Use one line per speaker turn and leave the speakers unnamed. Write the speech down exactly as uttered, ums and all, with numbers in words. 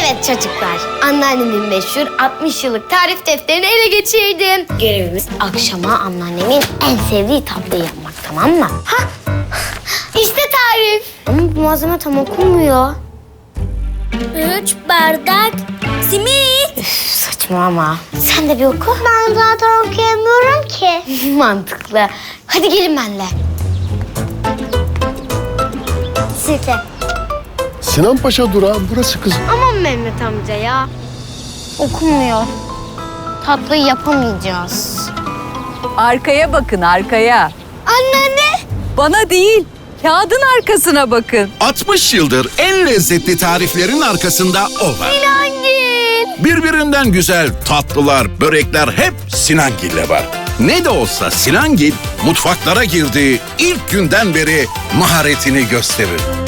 Evet çocuklar, anneannemin meşhur altmış yıllık tarif defterini ele geçirdim. Görevimiz akşama anneannemin en sevdiği tatlıyı yapmak, tamam mı? Ha, işte tarif. Ama bu malzeme tam okunmuyor.
Üç bardak simit.
Üf, saçmalama. Sen de bir oku.
Ben zaten okuyamıyorum ki.
Mantıklı. Hadi gelin benimle.
Süper.
Sinan Paşa durağı burası kızım.
Aman Mehmet amca ya. Okunmuyor. Tatlıyı yapamayacağız.
Arkaya bakın, arkaya.
Anneanne.
Bana değil, kağıdın arkasına bakın.
altmış yıldır en lezzetli tariflerin arkasında o var.
Sinangil.
Birbirinden güzel tatlılar, börekler hep Sinangil'le var. Ne de olsa Sinangil mutfaklara girdiği ilk günden beri maharetini gösterir.